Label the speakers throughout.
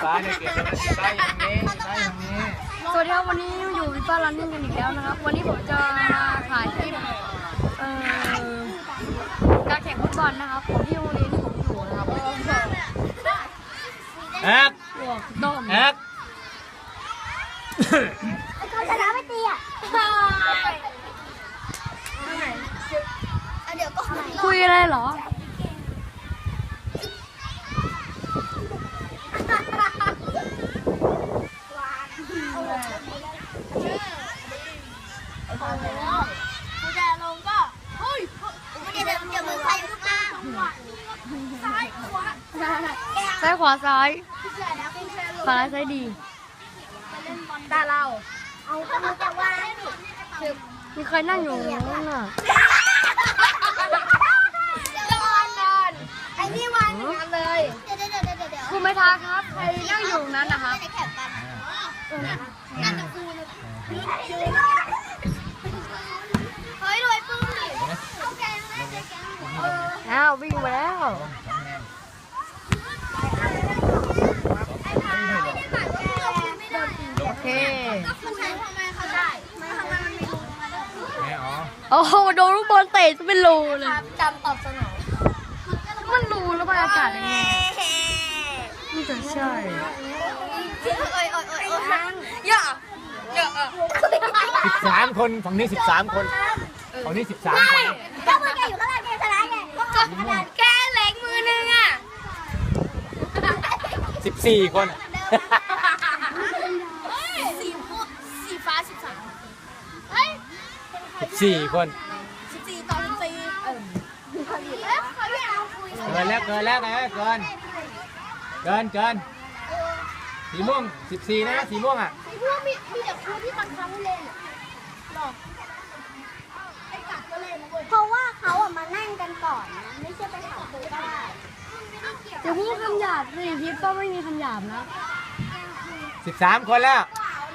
Speaker 1: ฟ้าเนี่ยเก็บไว้ใต้อย่างนี้ใต้อย่างนี้
Speaker 2: สวัสดีครับวันนี้อยู่วิป้ารันนิ่งกันอีกแล้วนะครับวันนี้ผมจะมาถ่ายคลิปการแข่งฟุตบอลนะครับของที่โรงเรียนที่ผมอยู่นะครับ
Speaker 1: แอ๊กแอ๊ก
Speaker 3: เขาชนะไม่ตีอ่ะเดี๋ยวก็
Speaker 2: คุยอะไรเหรอ
Speaker 3: กูจะลงก็เฮ้ยเดี๋ยวมึงใส่ลูกมาซ้ายขวา
Speaker 2: ซ้ายขวาซ้ายซ้ายซ้ายดีตาเรา
Speaker 3: เอาเขาจะว่า
Speaker 2: มีใครนั่งอยู่นั่นน่ะ
Speaker 3: นอนไอ้นี่วันงานเลยเดี๋ยว
Speaker 2: คุณไม่ท้าครับใครนั่งอยู่นั้นนะครับ
Speaker 3: แข่งกันนั่นจะกูนะเฮ้ยรวยปื้มดิเอาแกงเลยแกง
Speaker 2: อ้าววิ่งมาแล้วโอเคโอ้โหโดนลูกบอลเตะจะเป็นรูเลย
Speaker 3: จำตอบสนอง
Speaker 2: มันรูแล้วมันอากาศยังไงนี่จะใช่อย่า
Speaker 1: 13 คนฝั่งนี้13 คนฝั่งนี้13 คน
Speaker 3: ก็มือแกอยู่ข้างล่างแกชนะไง
Speaker 2: แค่เล็กมือนึงอ่ะ
Speaker 1: 14 คน
Speaker 3: สีฟ้า13เฮ้ย
Speaker 1: 14 คน
Speaker 3: 14ต่อ14เขาอยากคุย
Speaker 1: เกินแล้วเกินสีม่วง14นะสีม่วงอ่ะ
Speaker 3: พวกมีแต่ครูที่บังคับให้เล่นหรอกไอ้กัดก็เล่นเพราะว่าเขาอ่ะมานั่งกันก่อนนะไม่ใช่ไปถามครูก็ได้
Speaker 2: อย่าพูดคำหยาบสิคลิปก็ไม่มีคำหยาบนะ
Speaker 1: 13 คนแล้ว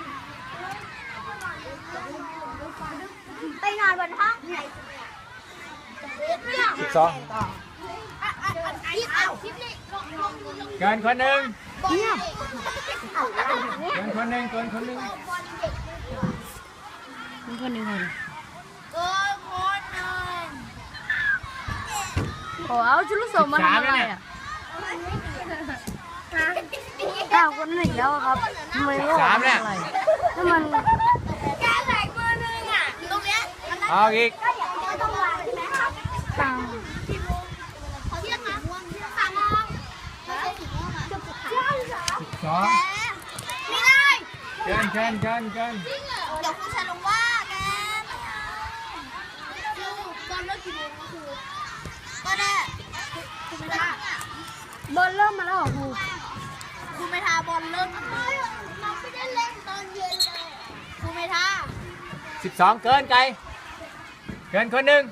Speaker 3: ไปนอนบนห้องไหน
Speaker 1: 12เกินคนหนึ่งเกินคนหนึ่ง
Speaker 2: โอ้เอาชุดลูกโป่งมาทำอะไรอ่ะอ้าวคนนั้นอีกแล้วครับทำไมว่าอะไรถ้ามัน
Speaker 3: แกแหลกมือนึงอ่ะตรงเนี้ย
Speaker 1: เอาอีก
Speaker 3: ต้องวางใช่ไหมครับเขาเรียกม่วง3 โมงไม่ใช่สีม่วงอ่ะ
Speaker 1: 12
Speaker 3: ไม่ได้
Speaker 1: เกิน
Speaker 3: เดี๋ยวครูจะลงว่าแกตอนเลิกกี่โมงครูก็ได้ครูไม่ได้
Speaker 2: บอลเริ่มมาแล้วเหรอ
Speaker 3: ครูไม่ทาบอลเริ่มเราไม่ได้เล่นตอนเย็นเลยครูไม่ทา
Speaker 1: 12เกินไกลเกินคนหนึ่ง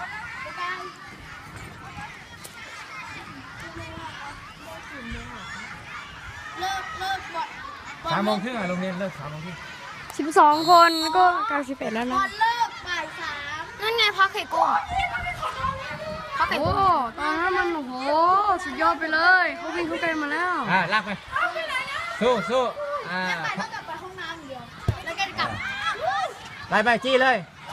Speaker 3: เลิกบอล
Speaker 1: 3 โมงครึ่งอ่ะโรงเรียนเลิก3 โมงครึ่ง
Speaker 2: 12 คนก็91แล้วนะ
Speaker 3: บอลเลิกบ่าย 3นั่นไงพักไข่กุ้ง
Speaker 2: โอ้ตอนนั้นมันโอ้โหสุดยอดไปเลยเขาวิ่งเข้าไปมาแล้ว
Speaker 1: ลากไปสู้
Speaker 3: ต้องกลับไปห้องน้ำเดียวแล้วแกกลับ
Speaker 1: ไปจี้เลย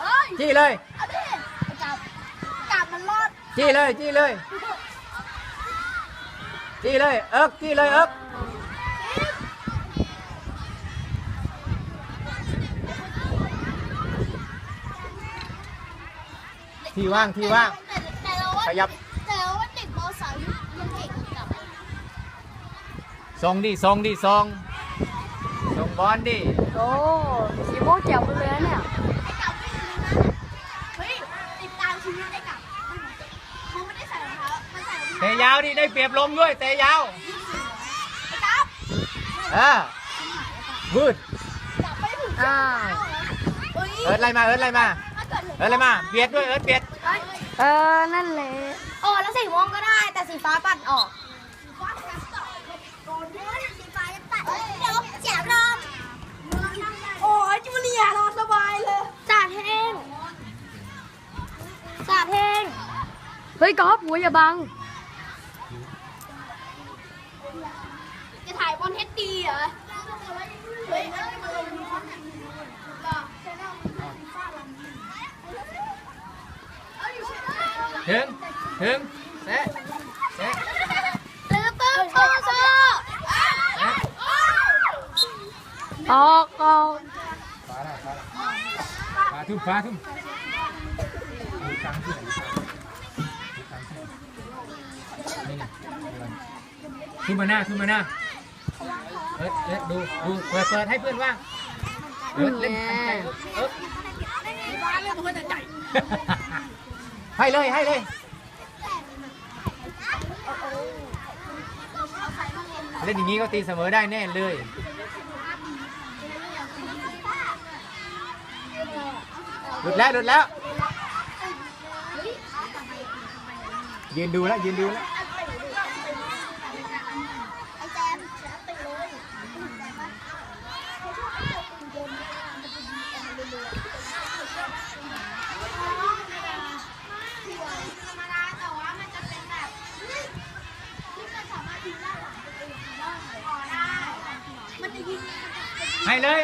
Speaker 3: กลับมันรอด
Speaker 1: จี้เลยจี้เลยเอิ๊กที่ว่างขยับ
Speaker 3: แต่ว่าเด็กม.3ยังเก่งกับ
Speaker 1: ส่งบอลดิ
Speaker 2: โอ้สีม่วงเจ๋วไปเลยเนี่ย
Speaker 3: เฮ้ยติดตามชีวิตได้กับเขาไม่ได้ใส่รองเท้ามันใส่รองเท้า
Speaker 1: เตะยาวดิได้เปรียบลมด้วยเตะยาว
Speaker 3: ไอ้กับ
Speaker 1: วืดเอิร์ธอะไรมาเบียดด้วยเอิร์ธเบียด
Speaker 2: นั่นแหละ
Speaker 3: โอ้แล้วสีม่วงก็ได้แต่สีฟ้าปัดออกเดี๋ยวเสียรอบโอ้ยจูเลียรอสบายเลยสาดแห้ง
Speaker 2: เฮ้ยกอล์ฟหัวอย่าบัง
Speaker 3: จะถ่ายบอลเฮดเฮ้ยอันนี้มันลงนี้ก็ใช่แล้ว
Speaker 1: ถึงแซะแซะ
Speaker 3: ตื้อตื้อโซ่โซ่
Speaker 2: ออกออก
Speaker 1: ฟ้าทุ่มฟ้าทุ่มนี่ไงทุ่มมาหน้าทุ่มมาหน้าดูเปิดให้เพื่อนว่างเล่นทันใจให้เลยเล่นอย่างนี้ก็ตีเสมอได้แน่เลยหลุดแล้วยืนดูแล้ว
Speaker 3: ไอ้แจมติดเลยธรรมดาแต่ว่ามันจะเป็นแบบที่มันสามารถยิงได้หลังตัวเองได้มันจะยิง
Speaker 1: ให้เลย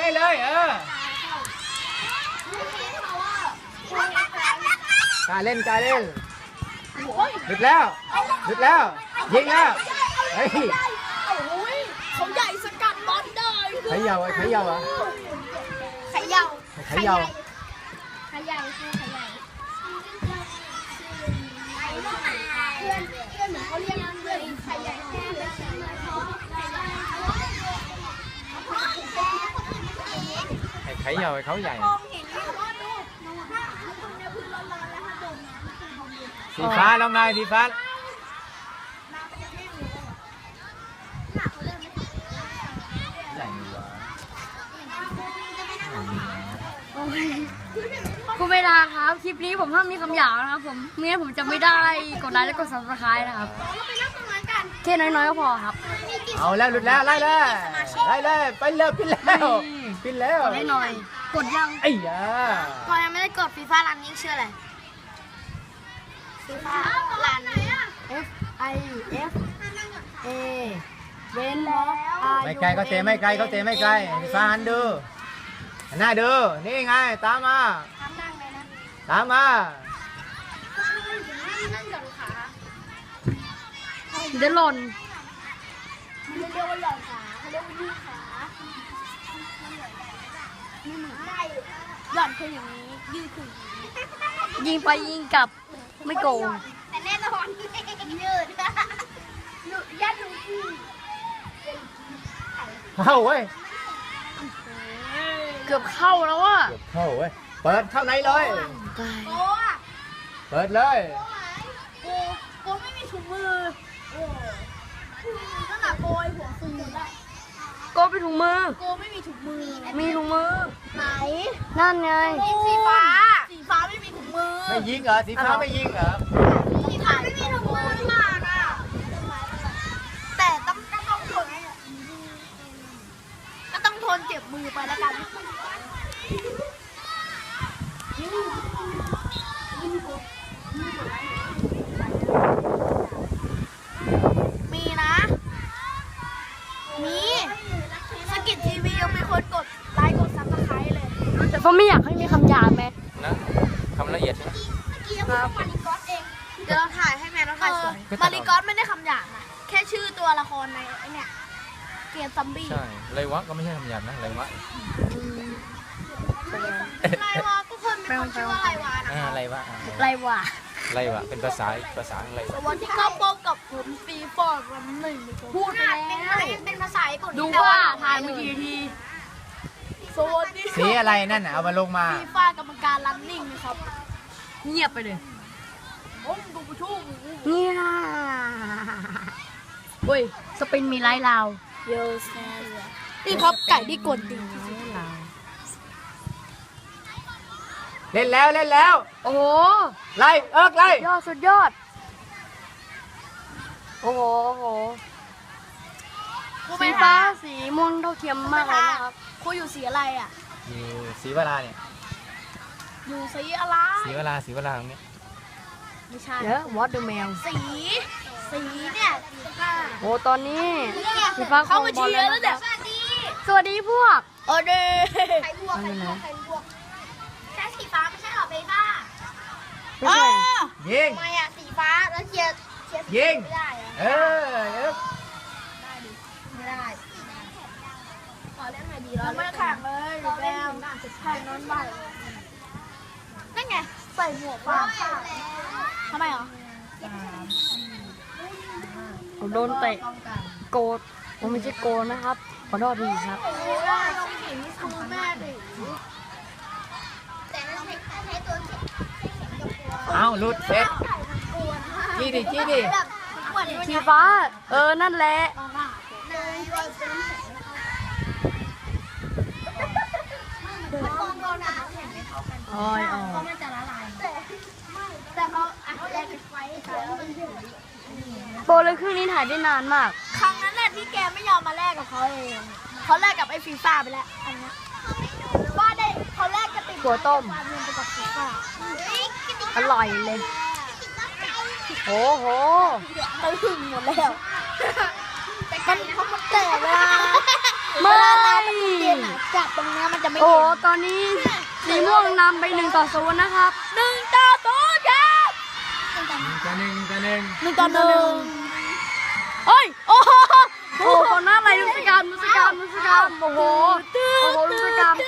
Speaker 1: กล้าเล่นหลุดแล้วยิงแล้วเฮ้ย
Speaker 3: เขาใหญ่สกัดบอลได้
Speaker 1: เขย่า
Speaker 3: ขย่าคือขย่าเพื่อนเหมือนเขาเรียกเพื่อนขย่าแค่เลย
Speaker 1: เขย่าเขาใหญ่
Speaker 3: มองเห็นที่ว่าดูถ้าตรงนี้พื้นร้อนๆแล้วถ้าโดนน้ำมันคือความเย็น
Speaker 1: สีฟ้าลองนายสีฟ้าใหญ่วะ
Speaker 2: คุณเวลาครับคลิปนี้ผมห้ามมีคำหยาบนะครับผมไม่งั้นผมจะไม่ได้กดไลค์และกด subscribe นะครับ
Speaker 3: เราไปนั่งตรงนั้นกัน
Speaker 2: แค่น้อยๆก็พอครับ
Speaker 1: เอาแล้วหลุดแล้วไล่เลยไปเลยปิ้นแล้ว
Speaker 2: กดให้หน่อย กดยัง
Speaker 1: ไอ้ยา
Speaker 3: พอยังไม่ได้กดฟีฟ่ารันนิ่งชื่ออะไรฟีฟ่ารัน
Speaker 2: F I F A เว้นแล้ว
Speaker 1: ไม่ไกลก็เตะไม่ไกลสีฟ้าหันดูหันหน้าดูนี่ไงตามมา
Speaker 3: ทำนั่งเลยนะ
Speaker 1: ตามมา
Speaker 3: นั่งหย่อนขา
Speaker 2: เดี๋ยวหล่น
Speaker 3: มันเรียกว่าหย่อนขาเขาเรียกว่ายืดขาได้หย่อนคืออย่างนี้ยืดคืออย่างนี้
Speaker 2: ยิงไปยิงกลับไม่โกง
Speaker 3: แต่แน่นอนยืดยัดดูที่
Speaker 1: เข้าเว้ย
Speaker 2: เกือบเข้าแล้วอ่ะ
Speaker 1: เข้าเว้ยเปิดเข้าในเลย
Speaker 3: โก้อะ
Speaker 1: เปิดเลย
Speaker 3: โก้ไม่มีถุงมือขนาดโกยหัวฟูได้
Speaker 2: โกไปถุงมือ
Speaker 3: โกไม่มีถุงมือ
Speaker 2: มีถุงมือ
Speaker 3: ไหน
Speaker 2: นั่นไง
Speaker 3: สีฟ้าไม่มีถุงมือ
Speaker 1: ไม่ยิงเหรอสีฟ้าไม่ยิงเหรอ
Speaker 3: สีฟ้าไม่มีถุงมือมากอ่ะแต่ต้องทนเจ็บมือไปแล้วกันมีนะมีสกิททีวียังมีคนกดไลค์กดซับสไครต์เลย
Speaker 2: แต่ก็ไม่อยากให้มีคำหยาบแม่
Speaker 1: นะคำละเอียดใช่ไหม
Speaker 3: เมื่อกี้ยังพูดว่ามาริกอสเองเดี๋ยวเราถ่ายให้แม่เราถ่ายสวยมาริกอสไม่ได้คำหยาบนะแค่ชื่อตัวละครในไอเนี่ยเกมซัมบี้
Speaker 1: ใช่ไรวะก็ไม่ใช่คำหยาบนะไรวะ
Speaker 3: ไรวะทุกคนมีคนชื่อว่าไรวะนะ
Speaker 1: ไรวะ
Speaker 2: ไรวะ
Speaker 1: ไรวะเป็นภาษาอะไร
Speaker 3: วันที่เข้าพบกับผมปีฟอร์ดวันหนึ่งพูดไปแล้วเป็นภาษาญี่ปุ่น
Speaker 2: ดูว่าผ่านไปกี่นาที
Speaker 3: สวัสดี
Speaker 1: สีอะไรนั่นน่ะเอามาลงมา
Speaker 3: ฟีฟ่ากรรมการรันนิ่งนะครับ
Speaker 2: เงียบไปเลย
Speaker 3: ผมดูผู้ชู้
Speaker 2: เงียบเฮ้ยสปินมีไลท์ลาว
Speaker 3: โยเซนี่ครับไก่ที่กดดิ่ง
Speaker 1: เล่นแล้ว
Speaker 2: โอ้โห
Speaker 1: ไล่ไล่
Speaker 2: ยอดสุดยอด โอ้โหสีฟ้าสีม่วงเท่าเทียมมากเลยนะครับ
Speaker 3: ครูอยู่สีอะไรอ่ะ
Speaker 1: อยู่สีเวลาเนี่ย
Speaker 3: อยู่สีอะไร
Speaker 1: สีเวลาตรงนี้
Speaker 3: ไม่ใช่
Speaker 2: เดี๋ยววอตเดอะแมว
Speaker 3: สีเนี่ยสีฟ้า
Speaker 2: โอ้ตอนนี้สีฟ้า
Speaker 3: เข้ามาเชียร์แล้วเนี่ย
Speaker 2: สวัสดีสวัสดีพวก
Speaker 3: โอเดใครบวกแค่สีฟ้าไม่ใช่หรอเบบ้า
Speaker 2: ไม่ใช่
Speaker 1: ยิง
Speaker 3: ทำไมอะสีฟ้าแล้วเชียร์สี
Speaker 1: ยิง
Speaker 3: ไม่ได้อะ
Speaker 1: เออ
Speaker 3: ไม่ได้ขอเล่นหน่อยดีเราไม่แข่งเลยเราเล่นแข่งนอนบ้านนั่นไงใส่หมวกฟ้าทำไมเหรอ
Speaker 2: ผมโดนเตะโกดผมไม่ใช่โกดนะครับขอโทษทีครับ
Speaker 3: โอ้ยน้องหญิงนี่คือแม่ดิแต่นั่นใช้ตัวเข็ม
Speaker 1: เอาหลุดเสร็จจี้ดิจี้ดิ
Speaker 2: สีฟ้า นั่นแหละ อ้อยอ๋อ
Speaker 3: มันจะละลายแต่เขาอัดแรกไว้แล้วมันถึง
Speaker 2: โปรเลยครึ่งนี้ถ่ายได้นานมาก
Speaker 3: ครั้งนั้นแหละที่แกไม่ยอมมาแลกกับเขาเองเขาแลกกับไอ้ฟีฟ่าไปแล้วอันนี้ว่าได้เขาแลกกับติด
Speaker 2: ถั่วต้ม
Speaker 3: ความเงินไปกับฟีฟ่า
Speaker 2: อร่อยเลย โอ้โห
Speaker 3: เขาหึงหมดแล้วมันเพราะมันแตกเวลา
Speaker 2: ไม่
Speaker 3: เราไปเรียนอะจับตรงเนี้ยมันจะไม่
Speaker 2: โอ้
Speaker 3: เห็น
Speaker 2: ตอนนี้สีม่วงนำไป1-0นะครับ
Speaker 3: 1-0ครับ
Speaker 2: เฮ้ย โอ้โหโอ้โหคนหน้าอะไรลุสกรรมโอ้โห โอ้โหลุสกรรม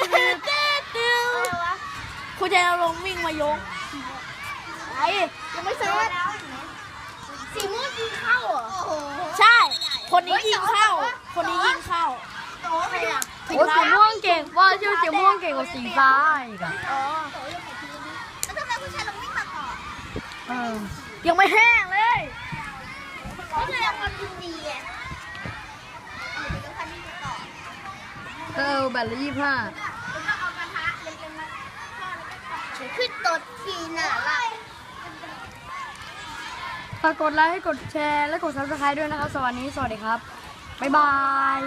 Speaker 3: คุณใจเราลงวิ่งมายกไอ้ยังไม่เสร็จสีม่วงยิงเข้าเหรอใช่ คนนี้ยิงเข้า คนนี้ยิงเข้า
Speaker 2: โอ้สีม่วงเก่งว่าชื่อสีม่วงเก่งกว่าสีฟ้าอีกอะ
Speaker 3: แล้วทำไมผู้ชายเราวิ่งมาก่อน
Speaker 2: เออ
Speaker 3: ยังไม่แห้งเลยก็เลยคนยิงดีอ่ะ
Speaker 2: แบตละ25
Speaker 3: เอากระทะเล็กๆมาขึ้นตดทีน่ะล่ะ
Speaker 2: ฝากกดไลค์ กดแชร์ และกด subscribe ด้วยนะครับ สวัสดีครับ บ๊ายบาย